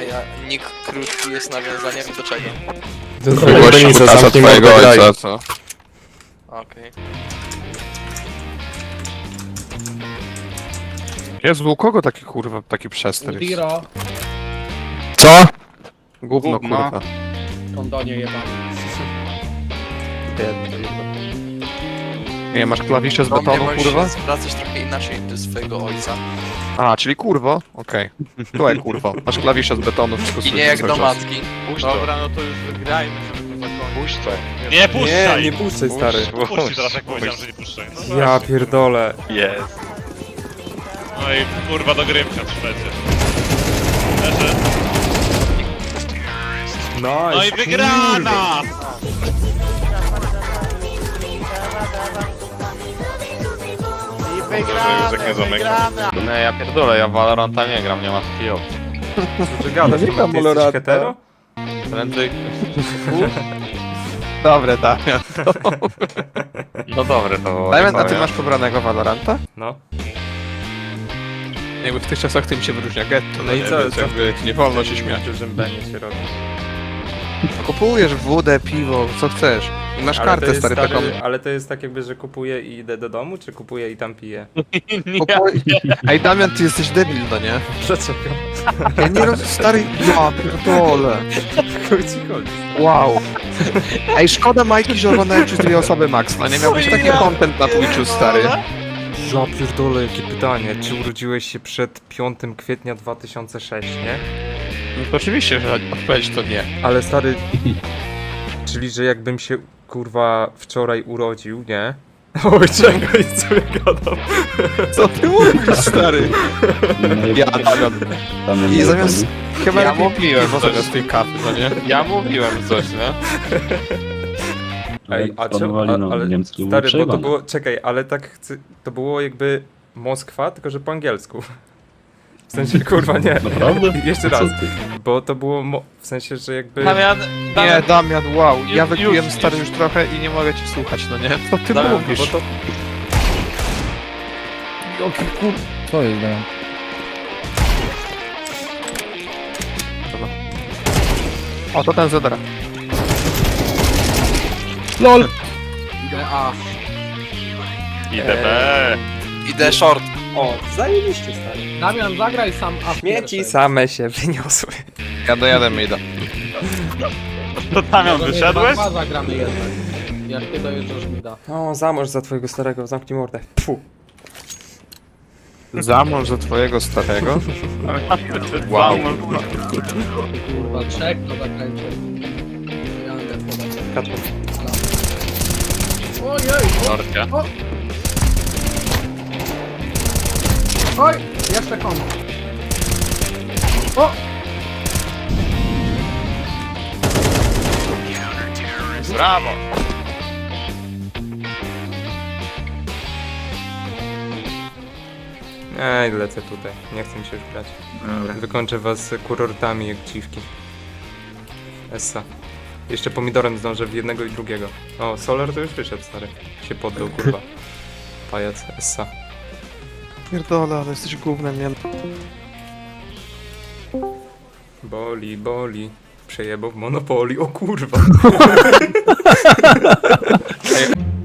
A nick krótki jest nawiązaniem do czego? Długości kutasa twojego ojca, co? Okej. Jezu, u kogo taki kurwa, taki przester jest? Diro, Co? Gówno, Gówno. kurwa. kondonie jebane. Nie, masz klawisze z Do mnie betonu, możesz kurwa? zwracać trochę inaczej do swojego ojca. A, czyli kurwo? Okej. Słuchaj, kurwo. Masz klawisze z betonu, wszystko I słyszę nie jak cały do czas. matki. Dobra, no to już wygrajmy, żeby to zakończyć. Puść to. Nie puszczaj! Nie puszczaj, stary. Puszczaj teraz, jak powiedziałem, że nie puszczaj. No Ja właśnie. pierdolę. Jest. No i kurwa do Grymka trzecie. Leży. No i wygrana! No ja pierdolę, ja w Valoranta nie gram, nie ma takiej opcji. Co ty gadasz? Nie Ty gram jesteś Valoranta. hetero? Prędzej... Dobre, Damian. No dobre to było. Damian, a ty masz pobranego Valoranta? No. Jakby w tych czasach tym się wyróżnia getto, No i nie? co- Więc co jakby nie wolno się śmiać. W dużym benie się robi. Kupujesz wódę, piwo, co chcesz. Masz Ale to kartę, jest, stary, taką... ale to jest tak jakby, że kupuję i idę do domu, czy kupuję i tam piję? Kupuj... Ej, Damian, ty jesteś debil, no nie? Dlaczego? Ja nie rozumiem, stary... Ja pierdolę. Chuj ci chodzi. Wow. Ej, szkoda Majki, że oglądają przez dwie osoby max, no nie miałbyś taki content na Twitchu, stary. Ja pierdolę, jakie pytanie. Czy urodziłeś się przed 5 kwietnia 2006, nie? No to oczywiście, że odpowiedź to nie. Ale stary... Czyli, że jakbym się, kurwa, wczoraj urodził, nie? Oj, czekaj, co ja gadam? Co ty mówisz, stary? Ja, Damian. I zamiast... Chyba Ja lepiej mówiłem piwo coś. zamiast tej kawy, no nie? Ja mówiłem coś, nie? Ej, a czemu? Ale stary, bo to było... Czekaj, ale tak chcę... To było jakby Moskwa, tylko że po angielsku. W sensie, kurwa, nie. Naprawdę? Jeszcze raz. Bo to było... W sensie, że jakby... Damian, Nie, Damian, wow. Ja Już, wypiłem już, stary już. już trochę i nie mogę cię słuchać, no nie? Co ty Damian, mówisz? Bo to... Co jest, Damian? O, to ten zadara. LOL! Idę A. IDB! Idę short. O, zajebiście, stary. Damian, zagraj sam A w Śmieci pierwszej. same się wyniosły. Ja dojadę Maida. To Damian, Może wyszedłeś? dwa zagramy jednak. Jak ty dojeżdżasz mi da. O, zamorz za twojego starego, zamknij mordę. Pfu. Zamąż za twojego starego? Wow. Kurwa, trzech to zakręcie. Ja idę podać. Katło. Ojej! Norcia. Oj! Jeszcze komu. O! Brawo! Ej, lecę tutaj. Nie chcę mi się już grać. Wykończę was kurortami jak dziwki. Essa. Jeszcze pomidorem zdążę w jednego i drugiego. O, Solar to już wyszedł, stary. Się poddał, kurwa. Pajac, Essa. Pierdolę, ale jesteś gównem, nie? Boli, boli. Przejebał w Monopolii, o kurwa.